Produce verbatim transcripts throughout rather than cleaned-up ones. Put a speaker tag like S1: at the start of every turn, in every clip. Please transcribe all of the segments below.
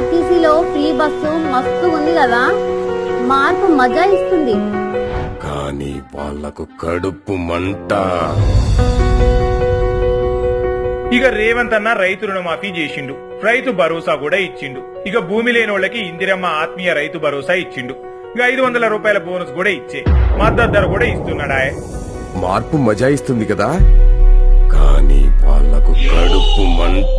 S1: ఆర్టీసీలో free bus మస్తు ఉంది కదా, మార్పు మజా ఇస్తుంది.
S2: కానీ వాళ్లకు కడుపు మంట.
S3: ఇక రేవంత్ అన్న రైతు రుణమాఫీ చేసిండు, రైతు భరోసా కూడా ఇచ్చిండు. ఇక భూమి లేనోళ్లకి ఇందిరమ్మ ఆత్మీయ రైతు భరోసా ఇచ్చిండు. ఇక ఐదు వందల రూపాయల బోనస్ కూడా ఇచ్చే మద్దతు ధర కూడా ఇస్తున్నాడా.
S2: మార్పు మజా ఇస్తుంది కదా, కానీ వాళ్లకు కడుపు మంట.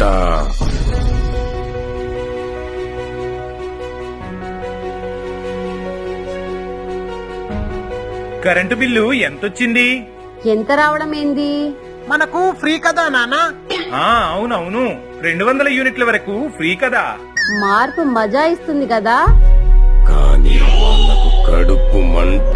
S3: కరెంటు బిల్లు ఎంతొచ్చింది?
S1: ఎంత రావడం ఏంది?
S4: మనకు ఫ్రీ కదా నానా?
S3: ఆ అవునవును, రెండు వందల యూనిట్ల వరకు ఫ్రీ కదా.
S1: మార్పు మజా ఇస్తుంది కదా,
S2: కానీ వాళ్లకు కడుపు మంట.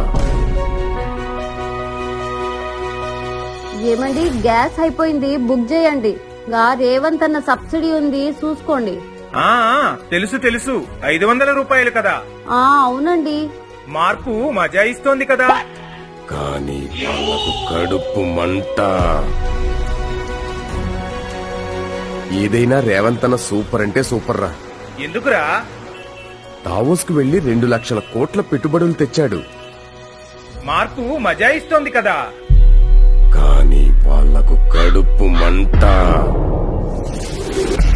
S1: ఏమండి గ్యాస్ అయిపోయింది, బుక్ చేయండి. గా రేవంత్ అన్న సబ్సిడీ ఉంది చూసుకోండి.
S3: ఆ తెలుసు తెలుసు, ఐదు వందల రూపాయలు కదా.
S1: ఆ అవునండి.
S3: మార్పు మజా ఇస్తోంది కదా,
S2: కానీ వాళ్లకు కడుపు మంట. ఏదైనా రేవంత్ అన్న సూపర్ అంటే సూపర్ రా.
S3: ఎందుకురా?
S2: డావోస్ కు వెళ్లి రెండు లక్షల కోట్ల పెట్టుబడులు తెచ్చాడు.
S3: మార్పు మజా ఇస్తోంది కదా,
S2: కానీ వాళ్లకు కడుపు మంట.